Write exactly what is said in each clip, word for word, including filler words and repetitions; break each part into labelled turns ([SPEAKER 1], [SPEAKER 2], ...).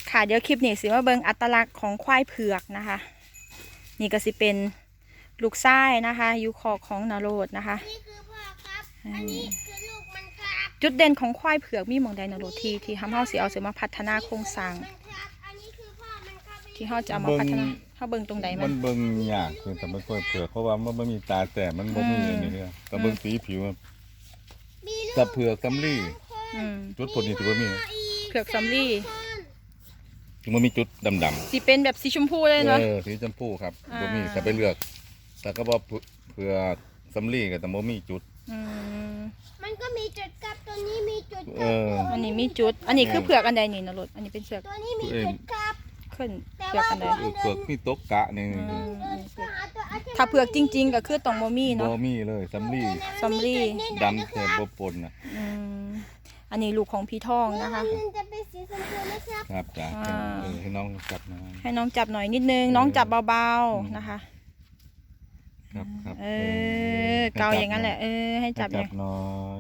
[SPEAKER 1] ค่ะเดี๋ยวคลิปนี้สิมาเบิ่งอัตลักษณ์ของควายเผือกนะคะนี่ก็สิเป็นลูกไส้นะคะอยู่คอกของนโรดนะคะ
[SPEAKER 2] นี่คือพ่อครับอันนี้คือลูกมันครับ
[SPEAKER 1] จุดเด่นของควายเผือกมีหมองใดนโรดที่ที่ทำเฮาสิเอาเสมาพัฒนาโครงสร้างที่เฮาจะเอามาพัฒนาเฮาเบิ่งตรงใดมั
[SPEAKER 3] มัน นเบิ่งยากคือแต่มันควายเผือกเพราะว่ามันบ่มีตาแต่มันบ่มีอันนี้เนี่ยแต่เบิ่งสีผิวกับเผือกกับลี่จุดพวกนี้ถือว่ามี
[SPEAKER 1] เผือกซัมลี่
[SPEAKER 3] ถึงมันมีจุดดำๆ
[SPEAKER 1] สีเป็นแบบสีชมพูเลยเนาะ
[SPEAKER 3] เออสีชมพูครับบ่มีถ้าไปเลือกแต่ก็บ่เผือกซัมลี่ก็แต่บ่มีจุด
[SPEAKER 2] มันก็มีจุดกับตัวนี้มีจุด
[SPEAKER 3] เออ
[SPEAKER 1] อันนี้มีจุดอันนี้คือเผือกอันใดนี่นรดอันนี้เป็นเผือก
[SPEAKER 2] ตัวนี้มีจุดกับ
[SPEAKER 1] ขึ้นเผือกอันใด
[SPEAKER 3] เผือกมีตกกะนี่
[SPEAKER 1] ถ้าเผือกจริงๆก็คือต้องบ่มีเนาะ
[SPEAKER 3] บ่มีเลยซัมลี่
[SPEAKER 1] ซัมลี่
[SPEAKER 3] ดำแค่บ่ปนน่ะ
[SPEAKER 1] อืมอันนี้ลูกของพี่ทองนะคะ
[SPEAKER 2] มันจะเป็นสีชมพูนะครับ
[SPEAKER 3] ครับจ้ะเออให้น้องจับหน่อย
[SPEAKER 1] ให้น้องจับหน่อยนิดนึงน้องจับเบาๆนะคะ
[SPEAKER 3] ครับครับ
[SPEAKER 1] เออเกาอย่างนั้นแหละเออให้จับ
[SPEAKER 3] จับหน่อย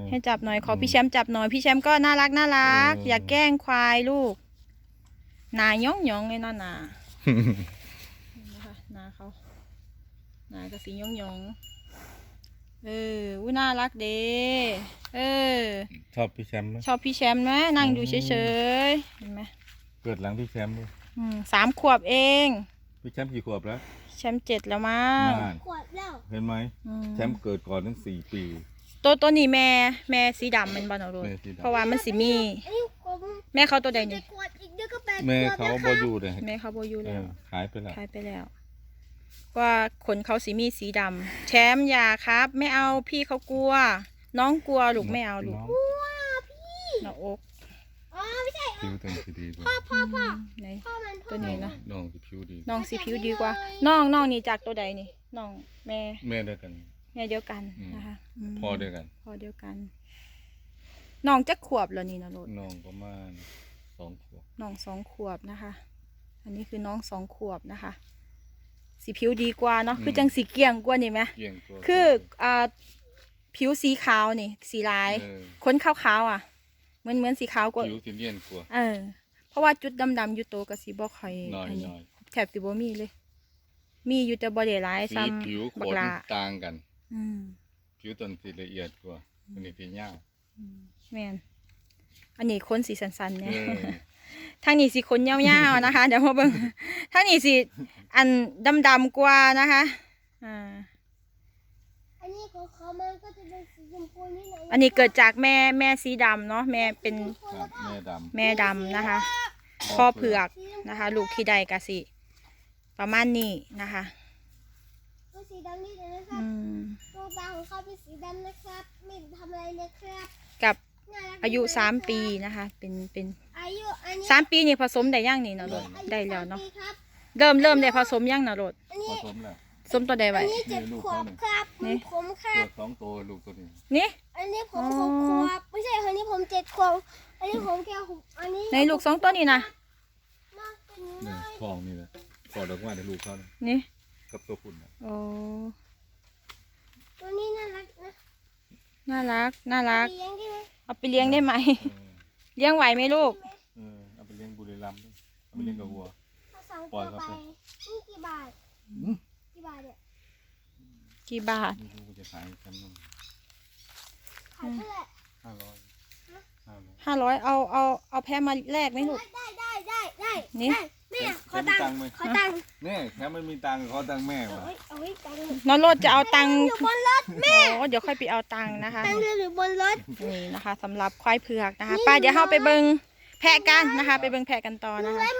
[SPEAKER 1] ให้จับหน่อยขอพี่แชมป์จับหน่อยพี่แชมป์ก็น่ารักน่ารักอย่าแกล้งควายลูกหนาย่องย่องเลยเนาะหนานะคะหนาเขาหนากระสีย่องย่องเอออุ้ยน่ารักเด้เออ
[SPEAKER 3] ชอบพี่แชมป์ไหม
[SPEAKER 1] ชอบพี่แชมป์ไหมนั่งดูเฉยๆเห็นไหม
[SPEAKER 3] เกิดหลังพี่แชมป์ด้วย
[SPEAKER 1] อืมสามขวบเอง
[SPEAKER 3] พี่แชมป์กี่ขวบแล้ว
[SPEAKER 1] แชมป์เจ็ดแล้วมั้ง
[SPEAKER 3] นาน
[SPEAKER 2] ขวดแล้ว
[SPEAKER 3] เห็นไหมแชมป์เกิดก่อนตั้งสี่ปี
[SPEAKER 1] ตัวตัวนี้แม่แม่สีดำมันบอลเอาเลย
[SPEAKER 3] แม่สีดำ
[SPEAKER 1] เพราะว่ามันสีมี
[SPEAKER 2] อันนี้ผม
[SPEAKER 1] แม่เขาตัวใดนี่
[SPEAKER 2] ขวดอีกเดี๋ยวก็แปด
[SPEAKER 3] แม่
[SPEAKER 2] ขวด
[SPEAKER 3] เขา
[SPEAKER 2] นะค
[SPEAKER 3] บ
[SPEAKER 2] รั
[SPEAKER 3] อบ อยู่เลย
[SPEAKER 1] แม่เขาโบอยู
[SPEAKER 3] เอ
[SPEAKER 1] แล้ว
[SPEAKER 3] อหายไปแล้ว
[SPEAKER 1] ขายไปแล้วว่าขนเขาสีมีสีดำแชมป์อย่าครับไม่เอาพี่เขากลัว น้องกลัวลูกไม่เอาลูก
[SPEAKER 3] น้อง
[SPEAKER 2] ว้าพี่
[SPEAKER 1] หน้าอก
[SPEAKER 2] อ๋อไม่ใช่
[SPEAKER 3] ผิวเต็มสีดีด้วย
[SPEAKER 2] พ่อพ่อพ่อ
[SPEAKER 1] ไหน
[SPEAKER 2] พ่อมันพ่อ
[SPEAKER 1] ตัวนี้นะ
[SPEAKER 3] น้องจะผิวดี
[SPEAKER 1] น้องสีผิวดีกว่าน้องน้องนี่จากตัวใดนี่น้องแม่
[SPEAKER 3] แม่ด้วยกัน
[SPEAKER 1] แม่เดียวกัน
[SPEAKER 3] อืม
[SPEAKER 1] นะคะม
[SPEAKER 3] พ่อด้วยกัน
[SPEAKER 1] พ่อเดียวกันน้องจะขวบแล้วนี่นะโรด
[SPEAKER 3] น้องประมาณสองขวบ
[SPEAKER 1] น้องสองขวบนะคะ อันนี้คือน้องสองขวบนะคะ สีผิวดีกว่าเนาะคือจังสีเกลี่ยงกว่านี่ไหม
[SPEAKER 3] เกี่ยงตัว
[SPEAKER 1] คืออ่าผิวสีขาวนี่ สีลาย
[SPEAKER 3] เออ
[SPEAKER 1] ขนขาวๆอ่ะเหมือนเหมือนสีขาวกว่า
[SPEAKER 3] ผิวสีเลียนกว่า
[SPEAKER 1] เออ เพราะว่าจุดดำๆอยู่โตวกับสีบ่ค่อย
[SPEAKER 3] น้อย
[SPEAKER 1] อันนี้
[SPEAKER 3] น้อย
[SPEAKER 1] แถบสีบ่มีเลย มีอยู่แต่บ่ได้หลาย
[SPEAKER 3] สี
[SPEAKER 1] ซ้
[SPEAKER 3] ผิว
[SPEAKER 1] ำ
[SPEAKER 3] ข
[SPEAKER 1] บัก
[SPEAKER 3] น
[SPEAKER 1] ลา
[SPEAKER 3] ต่างกัน
[SPEAKER 1] อืม
[SPEAKER 3] ผิวต้นสีละเอียดกว่าอันนี้สียาว
[SPEAKER 1] แม่นอันนี้ขนสีสันๆ
[SPEAKER 3] เอ
[SPEAKER 1] เนี่ย
[SPEAKER 3] อ
[SPEAKER 1] ทางนี้สีขนยาวๆนะคะ เดี๋ยวมาเบิ่งทางนี้สีอันดำๆกว่านะคะอ่า
[SPEAKER 2] อันนี้ของเขามันก็จะเป็นสีชมพูนิดหน่อย
[SPEAKER 1] อันนี้เกิดจากแม่แม่สีดำเนาะแม่เป็น
[SPEAKER 3] ครับแม่ดำ
[SPEAKER 1] แม่ดำนะคะพ่อเผือกนะคะ ลูกที่ใดกะสิประมาณนี้นะคะ
[SPEAKER 2] ตัวสีดำนี่เลยนะครั
[SPEAKER 1] อื
[SPEAKER 2] บ
[SPEAKER 1] ม
[SPEAKER 2] ดวงตาของเขาเป็นสีดำนะครับไม่ทำอะไรเลยครับ
[SPEAKER 1] กับ
[SPEAKER 2] น่รัก
[SPEAKER 1] อายุ
[SPEAKER 2] ดี
[SPEAKER 1] สาม
[SPEAKER 2] นะครับ
[SPEAKER 1] ปีนะคะเป็นเป็น
[SPEAKER 2] อายุอันนี้
[SPEAKER 1] สามปีนี่ผสมได้ย่างนี่เนาะโรด
[SPEAKER 2] อายุ
[SPEAKER 1] ได้แล้วเนาะ
[SPEAKER 2] สมปีครับ
[SPEAKER 1] เริ่มเริ่มได้ผสมย่างเนาะโรด
[SPEAKER 2] อัน
[SPEAKER 3] ผ
[SPEAKER 2] นี้
[SPEAKER 3] สมแล้ว
[SPEAKER 1] สมตัวใดไว้
[SPEAKER 2] อันนี้เจ็ดขวบครับ
[SPEAKER 1] นี่
[SPEAKER 2] ผมครั
[SPEAKER 3] เกิ
[SPEAKER 2] บ
[SPEAKER 3] ดสองตัวลูกตัวนี้
[SPEAKER 1] นี่
[SPEAKER 2] อันนี้ผม
[SPEAKER 1] อ๋อ
[SPEAKER 2] หกขวบไม่ใช่อันนี้ผมเจ็ดขวบอันนี้ผมแค่หกอันนี้
[SPEAKER 1] ในลูกสองตัวนี่นะ
[SPEAKER 2] มากเป็น
[SPEAKER 3] นี่
[SPEAKER 2] น้อย
[SPEAKER 3] ทองนี่แหละพอดอกว่าในลูกเขานะ
[SPEAKER 1] นี่
[SPEAKER 3] กับตัวคุณนะ
[SPEAKER 1] โอ้
[SPEAKER 2] ตัวนี้น่ารักนะ
[SPEAKER 1] น่ารักน่ารัก
[SPEAKER 2] เลี้ยงได้ไหม
[SPEAKER 1] เอาไปเลี้ยงได้ไหม
[SPEAKER 3] เออ
[SPEAKER 1] เลี้ยงไหวไหมลูก
[SPEAKER 3] เออเอาไปเลี้ยงบุรีรัมย์ด้วยเอาไปเลี้ยงกับวัว
[SPEAKER 2] ถ้าสอง
[SPEAKER 3] ปล่
[SPEAKER 2] ตั
[SPEAKER 3] อ
[SPEAKER 2] วย
[SPEAKER 3] ครับ
[SPEAKER 2] ไปนี่กี่บาทกี่บาทเนี่ย
[SPEAKER 1] กี่บาท
[SPEAKER 3] ไม่รู้ว่าจะขายกันมั้ง
[SPEAKER 2] ขายเท่าไหร่
[SPEAKER 3] ห้าร้อยห้าร้อย
[SPEAKER 1] ห้าร้อยเอาเอาเอาแพะมาแลกไหมลูก
[SPEAKER 2] ได้ได้ได้ได้
[SPEAKER 1] นี่
[SPEAKER 2] ได้แม่ขอตังค์ขอตังค์
[SPEAKER 3] แม่แค่มันมีตังค์เขาตังค์แม่
[SPEAKER 2] เอา
[SPEAKER 3] ว่ะ
[SPEAKER 2] ไว้เอาไว้ตังค์
[SPEAKER 1] น้องโรดจะเอาตังค์
[SPEAKER 2] อยู่บนรถแม่
[SPEAKER 1] โอ้เดี๋ยวค่อยไปเอาตังค์นะคะ
[SPEAKER 2] ตังค์เรือหรือบนรถ
[SPEAKER 1] นี่นะคะสำหรับควายเผือกนะคะไป้าเดี๋ยวเราไปเบิงแพะกันนะคะ ไปเบิงแพะกันต่อนะคะ